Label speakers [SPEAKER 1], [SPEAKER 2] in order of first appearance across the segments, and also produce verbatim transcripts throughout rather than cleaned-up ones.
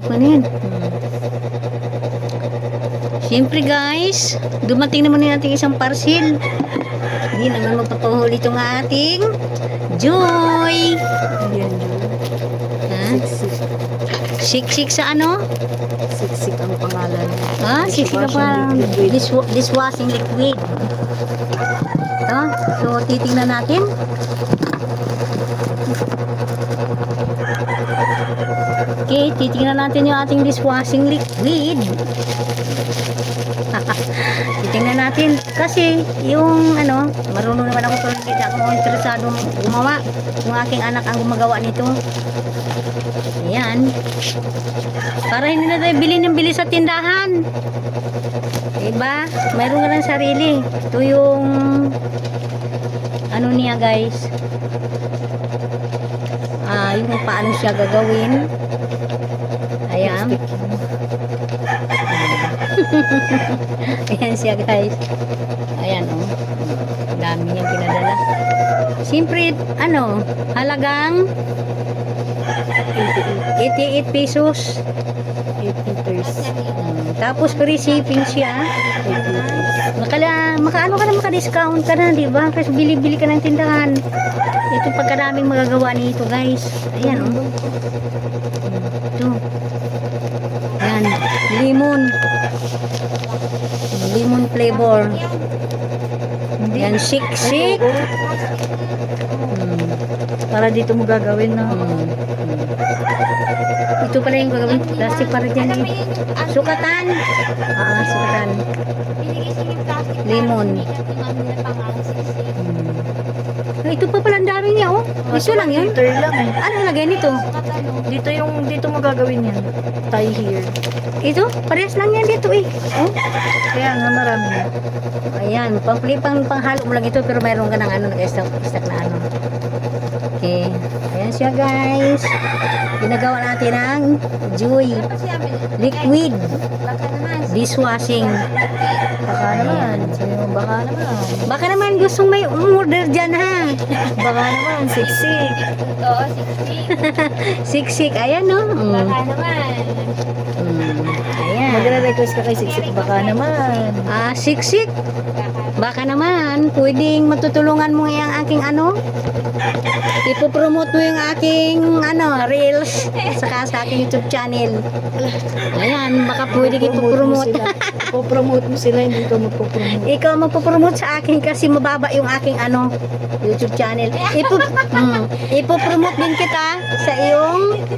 [SPEAKER 1] Ano yan? Hmm. Siyempre guys, dumating naman yung ating isang parcel. Hindi naman magpapahuli itong ating Joy.
[SPEAKER 2] Ayan, Joy.
[SPEAKER 1] Ha?
[SPEAKER 2] Siksik.
[SPEAKER 1] Siksik sa ano?
[SPEAKER 2] Siksik ang pangalan.
[SPEAKER 1] Ah, siksik ka pa. Dish dishwashing liquid. Ito. So, titingnan natin. Okay, titingnan natin yung ating dishwashing liquid. Titingnan natin. Kasi, yung ano, marunong naman ako pero hindi ako interesadong gumawa. Yung aking anak ang gumagawa nito. Ayan. Para hindi na tayo bili ng bili sa tindahan. Diba? Mayroon ka ng sarili. Ito yung ano niya guys. Ah, yung paano siya gagawin. Ayan. Ayan siya guys. Ayan o. Oh. Dami niyang pinadala. Siyempre, ano, halagang eighty-eight pesos.
[SPEAKER 2] eight liters.
[SPEAKER 1] Hmm, tapos free shipping siya. Makala, makaano ka na, maka-discount ka na, di ba? Kasi bili-bili ka ng tindahan. Ito pagkaraming magagawa nito, guys. Ayan, oh. Ito. Ayan, lemon. Lemon flavor. Ayan, shik-shik. Hmm.
[SPEAKER 2] Para dito mo gagawin na.
[SPEAKER 1] Hmm. Ito pala yung gagawin. Plastic para dyan eh. Sukatan. Ah, sukatan. Lemon. Hmm. Ito pa pala ang dami niya, oh. Ito lang yun.
[SPEAKER 2] Liter lang eh.
[SPEAKER 1] Ano lagay nito?
[SPEAKER 2] Dito yung, dito mo gagawin yan. Tie here.
[SPEAKER 1] Ito? Parehas lang yan dito eh. Oh.
[SPEAKER 2] Kaya nga marami na.
[SPEAKER 1] Ayan. Pang, pang, panghalo mo lang ito pero mayroon ka ng ano, nag-stock stock na ano. Okay. Ayan siya guys. Ginagawa natin ang Joy liquid dishwashing.
[SPEAKER 2] Baka naman. Sabi mo, baka naman.
[SPEAKER 1] Baka naman gustong may umorder dyan ha.
[SPEAKER 2] Baka naman, siksik.
[SPEAKER 3] Oo, siksik.
[SPEAKER 1] Siksik. Ayan no. Mm.
[SPEAKER 3] Baka naman.
[SPEAKER 1] Mm. Ayan.
[SPEAKER 2] Magre-request ka kay siksik. Baka naman.
[SPEAKER 1] Ah, siksik. Baka naman, pwedeng matutulungan mo yung aking ano. Ipopromote mo yung aking ano, reels. Saka sa aking YouTube channel. Ayan, baka pwede ipopromote.
[SPEAKER 2] Ipopromote mo sila, hindi ko magpopromote.
[SPEAKER 1] Ikaw magpopromote sa akin kasi mababa yung aking ano, YouTube channel. Ipo, mm, ipopromote din kita sa iyong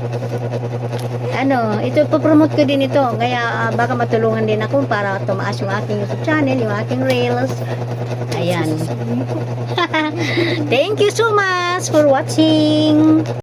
[SPEAKER 1] ano, ito ipopromote ko din ito. Kaya uh, baka matulungan din ako para tumaas yung aking YouTube channel, yung aking reels. Ayan. Thank you so much for watching.